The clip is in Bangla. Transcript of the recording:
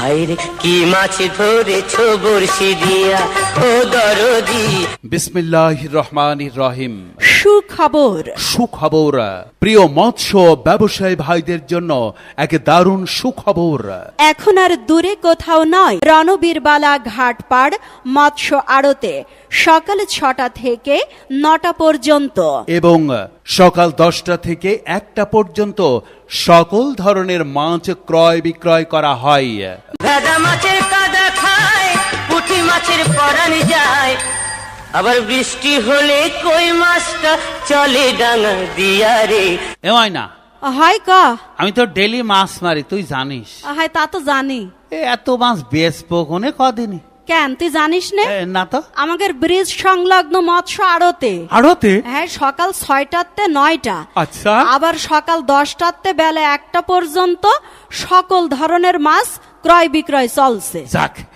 হায়রে কি মাছ ধরেছো বড়শি দিয়া ও দরদি। বিসমিল্লাহির রহমানির রহিম। সুখবর। সুখবর প্রিয় মৎস্য ব্যবসায়ী ভাইদের জন্য এক দারুণ সুখবর। এখন আর দূরে কোথাও নয়, রণবীরবালা ঘাটপাড় মৎস্য আড়তে সকাল 6টা থেকে 9টা পর্যন্ত এবং সকাল 10টা থেকে 1টা পর্যন্ত সকল ধরনের মাছ ক্রয় বিক্রয় করা হয়। ভেদা মাছের কাদা খায়, পুঁটি মাছের পরাণ যায়, আবার বৃষ্টি হলে কই মাছটা চলে ডাঙা দিয়া রে। এমন না, হয় ক আমি তো ডেলি মাছ মারি, তুই জানিস। হয় তা তো জানি। এত মাছ বেচবো কোনে কদিনই। কেন তুই জানিস না? না তো। আমাদের ব্রিজ সংলগ্ন মৎস্য আড়তে আড়তে হ্যাঁ সকাল 6টাতে 9টা, আচ্ছা, আবার সকাল 10টাতে বেলা 1টা পর্যন্ত সকল ধরনের মাছ ক্রয় বিক্রয় চলছে। যাক